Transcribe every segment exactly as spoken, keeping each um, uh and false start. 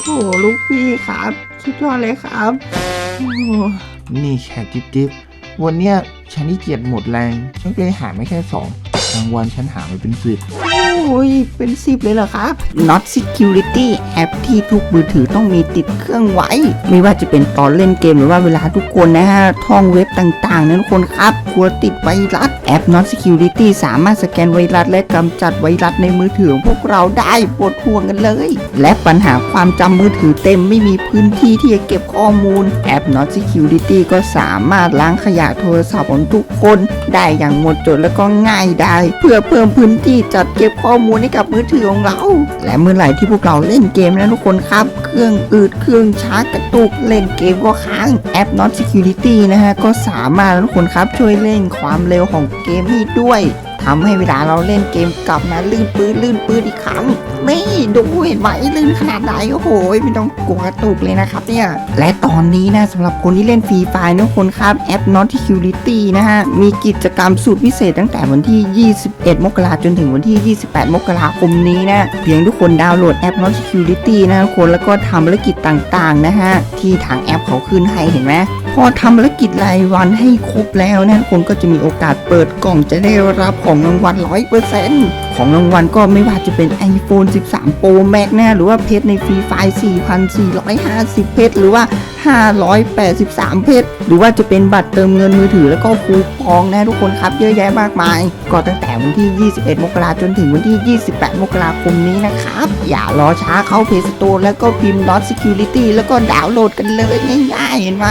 โอ้ลูกพี่ครับสุดยอดเลยครับโอ้นี่แค่จิ๊บจิ๊บวันเนี้ยฉันที่เกียจหมดแรงฉันก็เลยหาไม่แค่สองรางวัลฉันหาไปเป็นสิบโอ้ยเป็นสิบเลยเหรอครับ Not Security แอปที่ทุกมือถือต้องมีติดเครื่องไว้ไม่ว่าจะเป็นตอนเล่นเกมหรือว่าเวลาทุกคนนะฮะท่องเว็บต่างๆนะทุกคนครับควรติดไวรัสแอป Not Security สามารถสแกนไวรัสและกำจัดไวรัสในมือถือของพวกเราได้ปวดห่วงกันเลยและปัญหาความจำมือถือเต็มไม่มีพื้นที่ที่จะเก็บข้อมูลแอป Not Security ก็สามารถล้างขยะโทรศัพท์ของทุกคนได้อย่างหมดจดและก็ง่ายได้เพื่อเพิ่มพื้นที่จัดเก็บข้อมูลให้กับมือถือของเราและเมื่อไหร่ที่พวกเราเล่นเกมนะทุกคนครับเครื่องอืดเครื่องช้ากระตุกเล่นเกมก็ค้างแอป Not Security นะฮะก็สามารถทุกคนครับช่วยเร่งความเร็วของเกมให้ด้วยทำให้เวลาเราเล่นเกมกลับมาลื่นปื้นลื่นปื้นอีกครั้งนี่ดูเห็นไหมลื่นขนาดไหนโอ้โหไม่ต้องกลัวกระตุกเลยนะครับเนี่ยและตอนนี้นะสำหรับคนที่เล่นฟรีไฟล์ทุกคนครับแอป Not Security นะฮะมีกิจกรรมสุดพิเศษตั้งแต่วันที่ยี่สิบเอ็ดมกราคมจนถึงวันที่ยี่สิบแปดมกราคมนี้นะเพียงทุกคนดาวน์โหลดแอป Not Security นะทุกคนแล้วก็ทำภารกิจต่างๆนะฮะที่ทางแอปเขาขึ้นให้เห็นไหมพอทำภารกิจรายวันให้ครบแล้วนะทุกคนก็จะมีโอกาสเปิดกล่องจะได้รับของรางวัล ร้อยเปอร์เซ็นต์ ของรางวัลก็ไม่ว่าจะเป็น iPhone สิบสาม Pro Max นะหรือว่าเพชรในฟรีไฟล์ สี่พันสี่ร้อยห้าสิบ เพชรหรือว่าห้าร้อยแปดสิบสาม เพชรหรือว่าจะเป็นบัตรเติมเงินมือถือแล้วก็คูปองนะทุกคนครับเยอะแยะมากมายก็ตั้งแต่วันที่ยี่สิบเอ็ดมกราคมจนถึงวันที่ยี่สิบแปดมกราคมนี้นะครับอย่ารอช้าเข้า Play Store แล้วก็พิมพ์ Not Security แล้วก็ดาวน์โหลดกันเลยง่ายๆเห็นไหม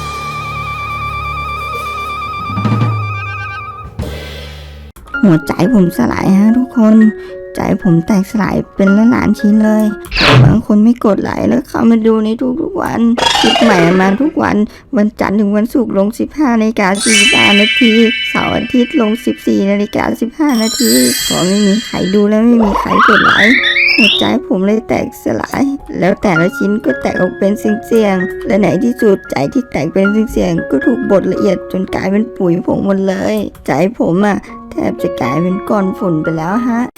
หัวใจผมสลายฮะทุกคนใจผมแตกสลายเป็นล้านล้านชิ้นเลยบางคนไม่กดไลค์แล้วเข้ามาดูในทุกๆวันคลิปใหม่มาทุกวันวันจันทร์ถึงวันศุกร์ลงสิบห้านาฬิกาสี่สิบห้านาทีเสาร์อาทิตย์ลงสิบสี่นาฬิกาสิบห้านาทีพอไม่มีใครดูแล้วไม่มีใครกดไลค์หัวใจผมเลยแตกสลายแล้วแต่ละชิ้นก็แตกออกเป็นเสียงๆและไหนที่สุดใจที่แตกเป็นเสียงๆก็ถูกบดละเอียดจนกลายเป็นปุ๋ยผงหมดเลยใจผมอ่ะแทบจะกลายเป็นก้อนฝุ่นไปแล้วฮะ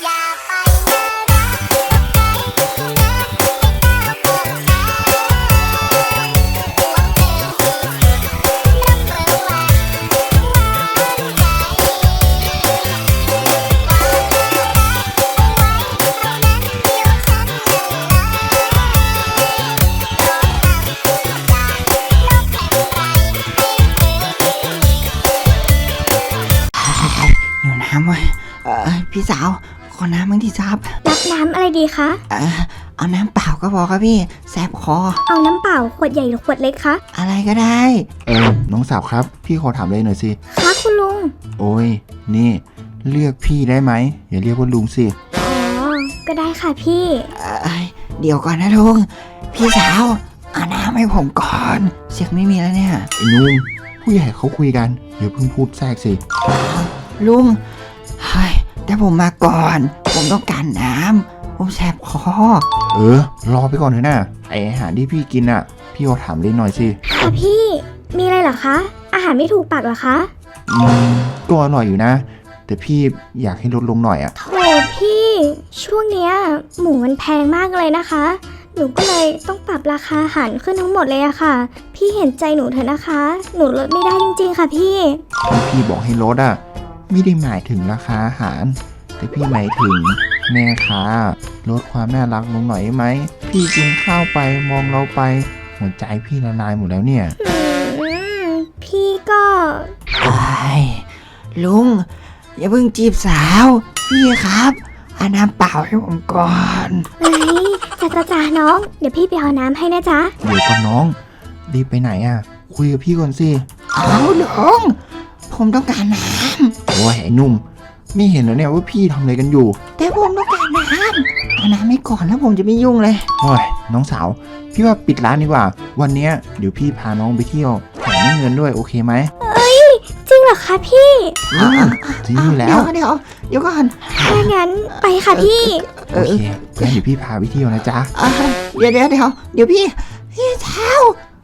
อยู่น้ำเว้ยเออพี่สาวขอน้ำบ้างที่ซับรับน้ำอะไรดีคะเออเอาน้ำเปล่าก็พอครับพี่แสบคอเอาน้ำเปล่าขวดใหญ่หรือขวดเล็กคะอะไรก็ได้เออน้องสาวครับพี่ขอถามเลยหน่อยสิคะคุณลุงโอ้ยนี่เรียกพี่ได้ไหมอย่าเรียกว่าลุงสิอ๋อก็ได้ค่ะพี่เออเดี๋ยวก่อนนะลุงพี่สาวเอาน้ำให้ผมก่อนเสียงไม่มีแล้วเนี่ยไอ้นุ่มผู้ใหญ่เขาคุยกันอย่าเพิ่งพูดแทรกสิลุงเฮ้ยแต่ผมมาก่อนผมต้องการน้ำผมแสบคอเออรอไปก่อนเถอะนะไออาหารที่พี่กินอ่ะพี่ขอถามเล่นหน่อยสิค่ะพี่มีอะไรเหรอคะอาหารไม่ถูกปากเหรอคะอืมก็อร่อยอยู่นะแต่พี่อยากให้ลดลงหน่อยอ่ะโถพี่ช่วงเนี้ยหมูมันแพงมากเลยนะคะหนูก็เลยต้องปรับราคาอาหารขึ้นทั้งหมดเลยอะค่ะพี่เห็นใจหนูเถอะนะคะหนูลดไม่ได้จริงๆค่ะพี่ที่พี่บอกให้ลดอ่ะไม่ได้หมายถึงราคาอาหารแต่พี่หมายถึงแม่ค้าลดความน่ารักลงหน่อยไหมพี่กินข้าวไปมองเราไปหัวใจพี่ละลายหมดแล้วเนี่ยพี่ก็ไอ้ลุงอย่าเพิ่งจีบสาวพี่ครับเอาน้ำเปล่าให้ผมก่อนเฮ้ยจ้าจ้าจ้าน้องเดี๋ยวพี่ไปเอาน้ำให้นะจ๊ะเดี๋ยวก่อนน้องรีบไปไหนอ่ะคุยกับพี่ก่อนสิเอาลุงผมต้องการน้ำโอ้ยไอ้นุ่มไม่เห็นแล้วเนี่ยว่าพี่ทำอะไรกันอยู่แต่ผมต้องการน้ำเอาน้ำให้ก่อนแล้วผมจะไม่ยุ่งเลยโอ้ยน้องสาวพี่ว่าปิดร้านดีกว่าวันนี้เดี๋ยวพี่พาน้องไปเที่ยวแถมให้เงินด้วยโอเคไหมเอ้ยจริงเหรอคะพี่จริงอยู่แล้วเดี๋ยวเดี๋ยวก่อนถ้างั้นไปค่ะพี่โอเคงั้นเดี๋ยวพี่พาไปเที่ยวนะจ๊ะเดี๋ยวเดี๋ยวเดี๋ยวเดี๋ยวพี่พี่เท้า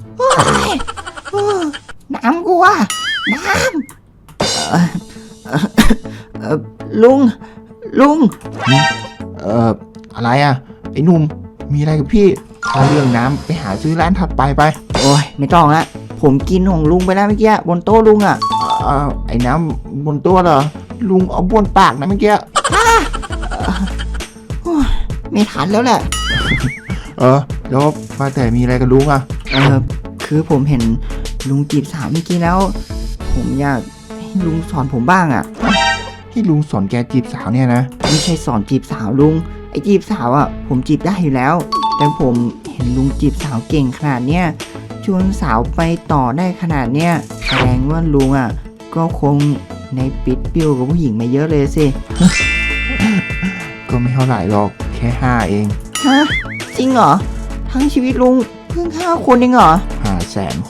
น้ำกูอะน้ำลุงลุงเอ่ออะไรอ่ะไอ้หนุ่มมีอะไรกับพี่ถ้าเรื่องน้ำไปหาซื้อร้านถัดไปไปโอ้ยไม่ต้องละผมกินของลุงไปแล้วเมื่อกี้บนโต๊ะลุงอ่ะเอ่อไอ้น้ำบนตัวเหรอลุงเอาบนปากนะเมื่อกี้ไม่ทันแล้วแหละเออแล้วว่าแต่มีอะไรกับลุงอ่ะเออคือผมเห็นลุงจีบสาวเมื่อกี้แล้ว ผมอยากให้ลุงสอนผมบ้างอ่ะให้ลุงสอนแกจีบสาวเนี่ยนะไม่ใช่สอนจีบสาวลุงไอ้จีบสาวอ่ะผมจีบได้อยู่แล้ว แต่ผมเห็นลุงจีบสาวเก่งขนาดเนี้ยชวนสาวไปต่อได้ขนาดเนี้ยแสดงว่าลุงอ่ะก็คงในปิดปิ้วกับผู้หญิงมาเยอะเลยสิก็ไม่เท่าไหร่หรอกแค่ห้าเองฮะจริงเหรอทั้งชีวิตลุงเพิ่งห้าคนเองเหรอห้าแสนคน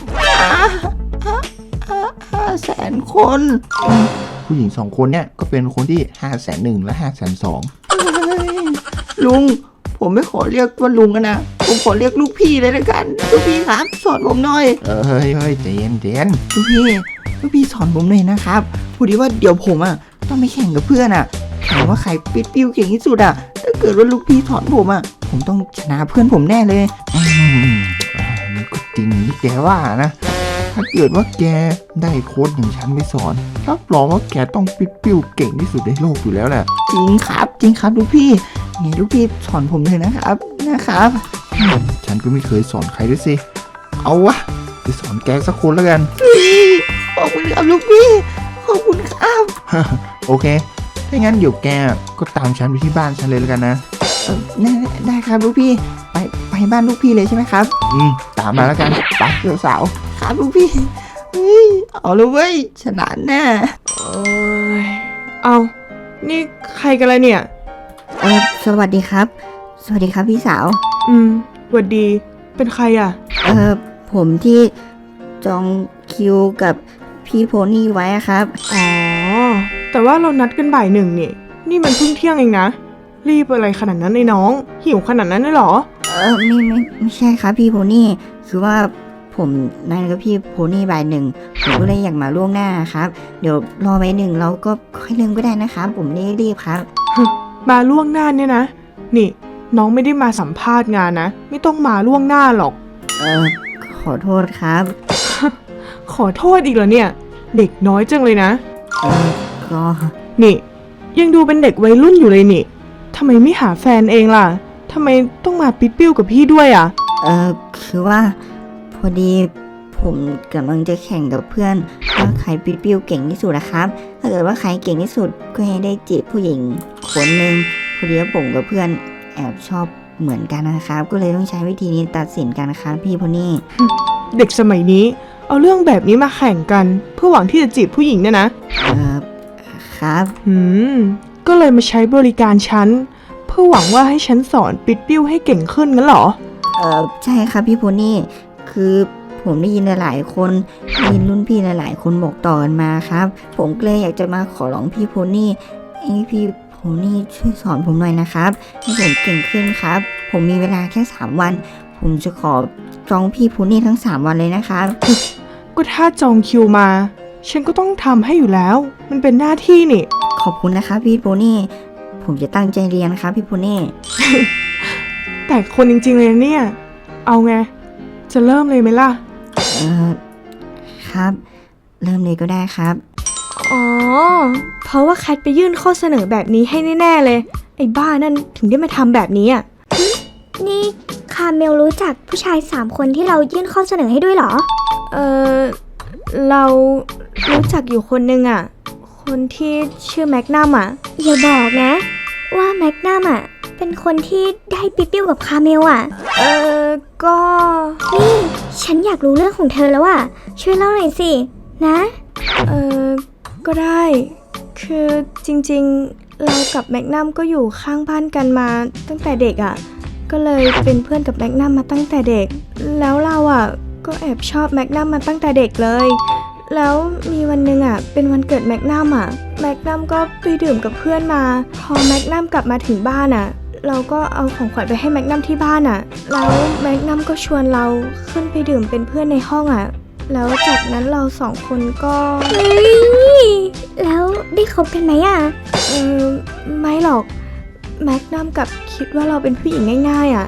ห้าแสนคนผู้หญิงสองคนเนี่ยก็เป็นคนที่ห้าแสนหนึ่งและห้าแสนสองเฮ้ยลุงผมไม่ขอเรียกว่าลุงกันนะผมขอเรียกลูกพี่เลยละกันลูกพี่ครับสอนผมหน่อยเฮ้ยเฮ้ยใจเย็นใจเย็นลูกพี่ลูกพี่สอนผมหน่อยนะครับพอดีว่าเดี๋ยวผมอ่ะต้องไปแข่งกับเพื่อนอ่ะแข่งว่าใครปิดปิ้วเก่งที่สุดอ่ะถ้าเกิดว่าลูกพี่สอนผมอ่ะผมต้องชนะเพื่อนผมแน่เลยอืมอ่านี่ก็จริงที่แกว่านะ ถ้าเกิดว่าแกได้โค้ชอย่างฉันไปสอนรับรองว่าแกต้องปิดปิ้วเก่งที่สุดในโลกอยู่แล้วแหละจริงครับจริงครับลูกพี่นี่ลูกพี่สอนผมเลยนะครับนะครับฉันก็ไม่เคยสอนใครด้วยสิ เอาวะไปสอนแกสักคนแล้วกันเฮ้ยขอบคุณครับลูกพี่ขอบคุณครับโอเค ถ้างั้นเดี๋ยวแกก็ตามฉันไปที่บ้านฉันเลยแล้วกันนะเออได้ได้ครับลูกพี่ไปไปบ้านลูกพี่เลยใช่ไหมครับอืม ตามมาแล้วกันไปเจ้าสาวครับลูกพี่เฮ้ยเอาเลยเว้ยชนะแน่เอ้ยเอานี่ใครกันละเนี่ยเออสวัสดีครับ สวัสดีครับพี่สาวอืมหวัดดี เป็นใครอ่ะเออผมที่จองคิวกับพี่โพนี่ไว้อะครับอ๋อ แต่ว่าเรานัดกันบ่ายหนึ่งนี่ นี่มันเพิ่งเที่ยงเองนะ รีบอะไรขนาดนั้นไอ้น้อง หิวขนาดนั้นเลยเหรอเออไม่ไม่ไม่ใช่ครับพี่โพนี่คือว่าผมนัดกับพี่โพนี่บ่ายหนึ่งผมก็เลยอยากมาล่วงหน้าครับ เดี๋ยวรอไว้หนึ่งเราก็ค่อยเริ่มก็ได้นะครับ ผมไม่ได้รีบครับมาล่วงหน้าเนี่ยนะ นี่ น้องไม่ได้มาสัมภาษณ์งานนะ ไม่ต้องมาล่วงหน้าหรอกเออขอโทษครับขอโทษอีกเหรอเนี่ย เด็กน้อยจังเลยนะเออก็นี่ ยังดูเป็นเด็กวัยรุ่นอยู่เลยนี่ทำไมไม่หาแฟนเองล่ะทำไมต้องมาปิ๊ดปิ้วกับพี่ด้วยอ่ะเออคือว่าพอดีผมกำลังจะแข่งกับเพื่อนว่าใครปิดปิ้วเก่งที่สุดนะครับ ถ้าเกิดว่าใครเก่งที่สุดก็ให้ได้จีบผู้หญิงคนหนึ่งพอดีว่าผมกับเพื่อนแอบชอบเหมือนกันนะครับ ก็เลยต้องใช้วิธีนี้ตัดสินกันนะครับพี่โพนี่เด็กสมัยนี้ เอาเรื่องแบบนี้มาแข่งกัน เพื่อหวังที่จะจีบผู้หญิงเนี่ยนะเออครับหืม ก็เลยมาใช้บริการฉัน เพื่อหวังว่าให้ฉันสอนปิดปิ้วให้เก่งขึ้นงั้นเหรอเออใช่ครับพี่โพนี่คือผมได้ยินหลายๆคนได้ยินรุ่นพี่หลายๆคนบอกต่อกันมาครับ ผมก็เลยอยากจะมาขอร้องพี่โพนี่ให้พี่โพนี่ช่วยสอนผมหน่อยนะครับให้ผมเก่งขึ้นครับ ผมมีเวลาแค่สามวัน ผมจะขอจองพี่โพนี่ทั้งสามวันเลยนะครับก็ถ้าจองคิวมา ฉันก็ต้องทำให้อยู่แล้ว มันเป็นหน้าที่นี่ขอบคุณนะครับพี่โพนี่ผมจะตั้งใจเรียนครับพี่โพนี่แต่คนจริงๆเลยนะเนี่ย เอาไง จะเริ่มเลยไหมล่ะเออครับ เริ่มเลยก็ได้ครับอ๋อ เพราะว่าแคทไปยื่นข้อเสนอแบบนี้ให้แน่ๆเลย ไอ้บ้านั่นถึงได้มาทำแบบนี้อ่ะ นี่คาเมลรู้จักผู้ชายสามคนที่เรายื่นข้อเสนอให้ด้วยเหรอ เออเรารู้จักอยู่คนนึงอ่ะ คนที่ชื่อแมกนัมอ่ะ อย่าบอกนะ ว่าแมกนัมอ่ะ เป็นคนที่ได้ปิ๊ปิ้วกับคาเมลอ่ะ เออก็ นี่ฉันอยากรู้เรื่องของเธอแล้วอ่ะ ช่วยเล่าหน่อยสิ นะ เออก็ได้ คือจริงๆ เรากับแมกนัมก็อยู่ข้างบ้านกันมาตั้งแต่เด็กอ่ะ ก็เลยเป็นเพื่อนกับแมกนัมมาตั้งแต่เด็ก แล้วเราอ่ะก็แอบชอบแมกนัมมาตั้งแต่เด็กเลย แล้วมีวันหนึ่งอ่ะเป็นวันเกิดแมกนัมอ่ะ แมกนัมก็ไปดื่มกับเพื่อนมา พอแมกนัมกลับมาถึงบ้านอ่ะ เราก็เอาของขวัญไปให้แมกนัมที่บ้านอ่ะ แล้วแมกนัมก็ชวนเราขึ้นไปดื่มเป็นเพื่อนในห้องอ่ะ แล้วจากนั้นเราสองคนก็เฮ้ยแล้วได้คบกันไหมอ่ะ เออไม่หรอก แมกนัมกับคิดว่าเราเป็นผู้หญิงง่ายๆอ่ะ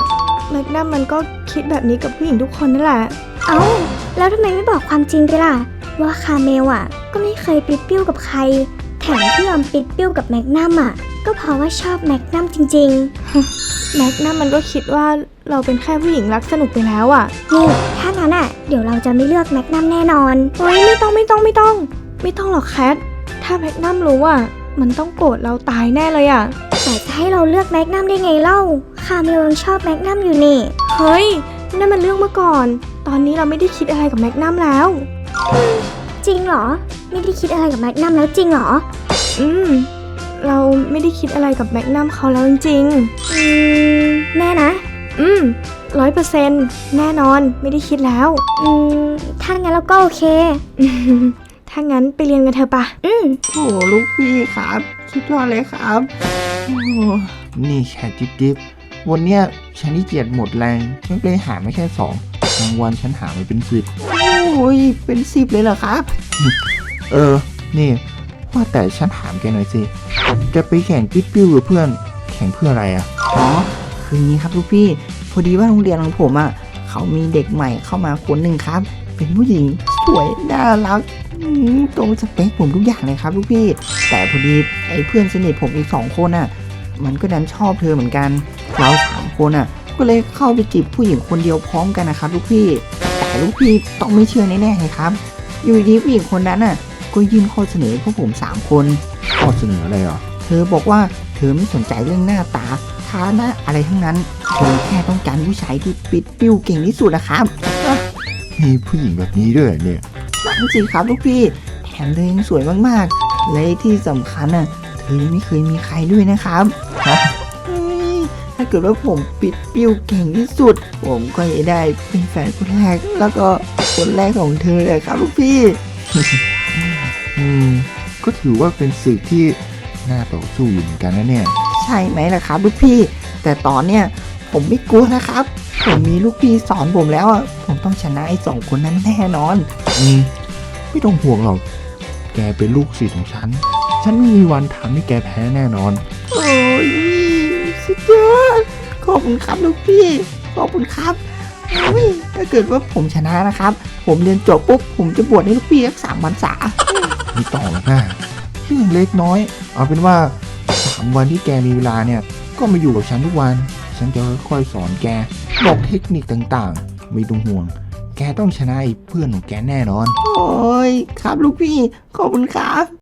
แมกนัมมันก็คิดแบบนี้กับผู้หญิงทุกคนนั่นแหละ เอ้า แล้วทำไมไม่บอกความจริงไปล่ะ ว่าคาเมลอ่ะ ก็ไม่เคยปิดปิ้วกับใคร แถมที่ยอมปิดปิ้วกับแมกนัมอ่ะ ก็เพราะว่าชอบแมกนัมจริงๆ แมกนัมมันก็คิดว่าเราเป็นแค่ผู้หญิงรักสนุกไปแล้วอ่ะ นี่ ถ้างั้นอ่ะ เดี๋ยวเราจะไม่เลือกแมกนัมแน่นอนเฮ้ยไม่ต้องไม่ต้องไม่ต้อง ไม่ต้องหรอกแคท ถ้าแมกนัมรู้อ่ะ มันต้องโกรธเราตายแน่เลยอ่ะ แต่จะให้เราเลือกแมกนัมได้ไงเล่า คาเมลยังชอบแมกนัมอยู่นี่ เฮ้ย นั่นมันเรื่องเมื่อก่อน ตอนนี้เราไม่ได้คิดอะไรกับแมกนัมแล้ว จริงเหรอ ไม่ได้คิดอะไรกับแมกนัมแล้วจริงเหรอ อืม เราไม่ได้คิดอะไรกับแมกนัมเขาแล้วจริงๆอืม แน่นะ อืมร้อยเปอร์เซ็นต์แน่นอนไม่ได้คิดแล้ว อืม ถ้างั้นเราก็โอเค ถ้างั้นไปเรียนกันเถอะปะ อืมโอ้ลูกพี่ครับสุดยอดเลยครับโอ้นี่แค่จิ๊บจิ๊บวันเนี้ยฉันนี่เกียจหมดแรงฉันเลยหาไม่แค่สองบางวันฉันหาไม่เป็นสิบโอ้ยเป็นสิบเลยเหรอครับเออ นี่ว่าแต่ฉันถามแกหน่อยสิจะไปแข่งปิ๊บปิ้วกับเพื่อน แข่งเพื่ออะไรอ่ะอ๋อ คืออย่างนี้ครับลูกพี่ พอดีว่าโรงเรียนของผมอ่ะ เขามีเด็กใหม่เข้ามาคนหนึ่งครับ เป็นผู้หญิงสวยน่ารักอืมตรงสเปคผมทุกอย่างเลยครับลูกพี่ แต่พอดีไอ้เพื่อนสนิทผมอีกสองคนอ่ะ มันก็ดันชอบเธอเหมือนกัน เราสามคนอ่ะ ก็เลยเข้าไปจีบผู้หญิงคนเดียวพร้อมกันนะครับลูกพี่ แต่ลูกพี่ต้องไม่เชื่อแน่ๆเลยครับ อยู่ดีผู้หญิงคนนั้นน่ะ ก็ยื่นข้อเสนอพวกผมสามคนข้อเสนออะไรอ่ะเธอบอกว่าเธอไม่สนใจเรื่องหน้าตาฐานะอะไรทั้งนั้น เธอแค่ต้องการผู้ชายที่ปิดปิ้วเก่งที่สุดนะครับมีผู้หญิงแบบนี้ด้วยเหรอเนี่ยนั่นสิครับลูกพี่ แถมเธอยังสวยมากๆ และที่สำคัญน่ะ เธอยังไม่เคยมีใครด้วยนะครับฮะเฮ้ยถ้าเกิดว่าผมปิดปิ้วเก่งที่สุด ผมก็จะได้เป็นแฟนคนแรก แล้วก็คนแรกของเธอเลยครับลูกพี่อืม ก็ถือว่าเป็นศึกที่น่าต่อสู้อยู่เหมือนกันนะเนี่ยใช่ไหมล่ะครับลูกพี่ แต่ตอนเนี้ยผมไม่กลัวนะครับ ผมมีลูกพี่สอนผมแล้วอะผมต้องชนะไอ้สองคนนั้นแน่นอนอืม ไม่ต้องห่วงหรอก แกเป็นลูกศิษย์ของฉัน ฉันไม่มีวันทำให้แกแพ้แน่นอนโอ้ยสุดยอดขอบคุณครับลูกพี่ ขอบคุณครับโอ้ยถ้าเกิดว่าผมชนะนะครับ ผมเรียนจบปุ๊บผมจะบวชให้ลูกพี่สักสามพรรษาไม่ต้องหรอกนะเรื่องเล็กน้อย เอาเป็นว่าสามวันที่แกมีเวลาเนี่ย ก็มาอยู่กับฉันทุกวัน ฉันจะค่อยๆสอนแก บอกเทคนิคต่างๆ ไม่ต้องห่วง แกต้องชนะไอ้เพื่อนของแกแน่นอนโอ้ยครับลูกพี่ ขอบคุณครับ